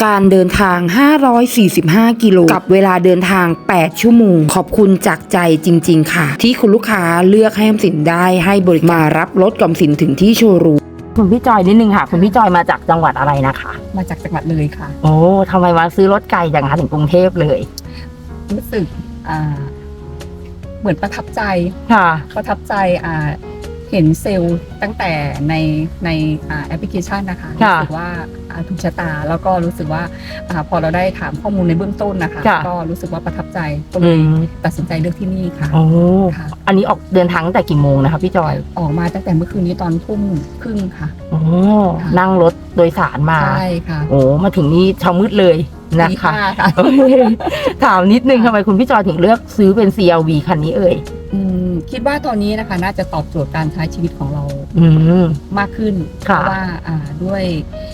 การเดินทาง 545 กิโลกับเวลาเดินทาง 8 ชั่วโมง ขอบคุณจากใจจริงๆค่ะที่คุณลูกค้าเลือกให้ออมสินได้ให้บริการมารับรถกับออมสินถึงที่โชว์รูมคุณพี่จอยนิดนึงค่ะคุณพี่จอยมาจากจังหวัดอะไรนะคะมาจากจังหวัดเลยค่ะโอ้ทำไมมาซื้อรถไกลจังคะถึงกรุงเทพเลยรู้สึกเหมือนประทับใจค่ะประทับใจเห็นเซลล์ตั้งแต่ในแอปพลิเคชันนะคะค่ะรู้สึกว่าถูกชะตาแล้วก็รู้สึกว่าพอเราได้ถามข้อมูลในเบื้องต้นนะคะค่ะก็รู้สึกว่าประทับใจก็เลยตัดสินใจเลือกที่นี่ค่ะโอ้ค่ะอันนี้ออกเดินทางตั้งแต่กี่โมงนะคะพี่จอยออกมาตั้งแต่เมื่อคืนนี้ตอน20:30ค่ะโอ้ค่ะนั่งรถโดยสารมาใช่ค่ะโอ้มาถึงนี่เช้ามืดเลยนะตีคะห้าค่ะโอเคถามนิดนึงทำไมคุณพี่จอยถึงเลือกซื้อเป็น CRV คันนี้เอ่ยคิดว่าตอนนี้นะคะน่าจะตอบโจทย์การใช้ชีวิตของเราอืมมากขึ้นเพค่ะราะว่าด้วย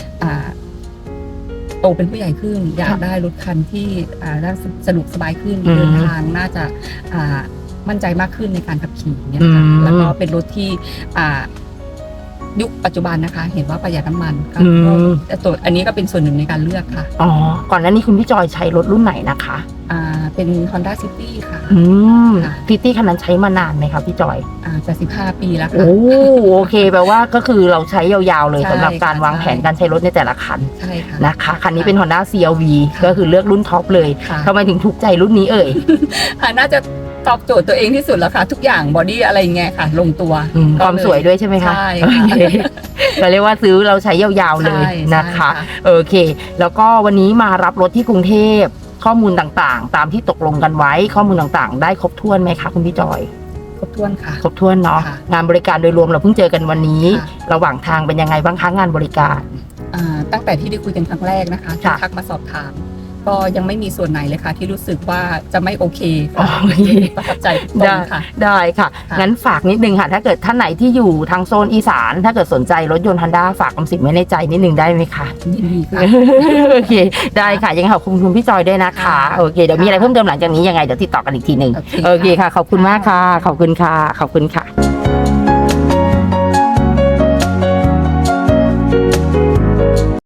โตเป็นผู้ใหญ่ขึ้น อยากได้รถคันที่น่าสะดวกสบายขึ้นอืมเดินทางน่าจะมั่นใจมากขึ้นในการขับขี่เนี่ยค่ะอืมแล้วก็เป็นรถที่ยุคปัจจุบันนะคะ เห็นว่าประหยัดน้ำมันก็อืมตัวอันนี้ก็เป็นส่วนหนึ่งในการเลือกค่ะอ๋อก่อนหน้านี้คุณพี่จอยใช้รถรุ่นไหนนะคะเป็น Honda City ค่ะอืมค่ะซิตี้คันนั้นใช้มานานไหมคะพี่จอยจะ15 ปีแล้วค่ะโอ้โอเคแปลว่าก็คือเราใช้ยาวๆเลยใช่สำหรับการค่ะวางแผนใช่การใช้รถในแต่ละคันใช่ค่ะนะคะคันนี้เป็น Honda CRV ค่ะก็คือเลือกรุ่นท็อปเลยค่ะทำไมถึงถูกใจรุ่นนี้เอ่ยน่าจะตอบโจทย์ตัวเองที่สุดแล้วค่ะ ทุกอย่างบอดี้อะไรเงี้ยค่ะ ลงตัวความสวยด้วยใช่ไหมคะใช่โอค่ะเคก็เรียกว่าซื้อเราใช้ยาวๆเลยใช่นะคะใช่ค่ะโอเค แล้วก็วันนี้มารับรถที่กรุงเทพข้อมูลต่างๆ ตามที่ตกลงกันไว้ข้อมูลต่างๆ ได้ครบถ้วนไหมคะคุณพี่จอยครบถ้วนค่ะครบถ้วนเนาะค่ะงานบริการโดยรวมเราเพิ่งเจอกันวันนี้ค่ะระหว่างทางเป็นยังไงบ้างคะงานบริการตั้งแต่ที่ได้คุยกันครั้งแรกนะคะที่ค่ะทักมาสอบถาม ก็ยังไม่มีส่วนไหนเลยค่ะ ที่รู้สึกว่าจะไม่โอเคอ๋ค่ะอโอเคประทับใจทุกตรงค่ะได้ค่ะค่ะงั้นฝากนิดนึงค่ะ ถ้าเกิดท่านไหนที่อยู่ทางโซนอีสาน ถ้าเกิดสนใจรถยนต์ Honda ฝากคำสิบไว้ในใจนิดนึงได้ไหมคะยินดีค่ะโอเค ได้ค่ะ ยังไงขอบคุณคุณพี่จอยด้วยนะคะค่ะโอเค เดี๋ยวมีอะไรเพิ่มเติมหลังจากนี้ยังไงเดี๋ยวติดต่อกันอีกทีหนึ่งโอเคโอเคค่ะ ขอบคุณมากค่ะ ขอบคุณค่ะ ขอบคุณค่ะ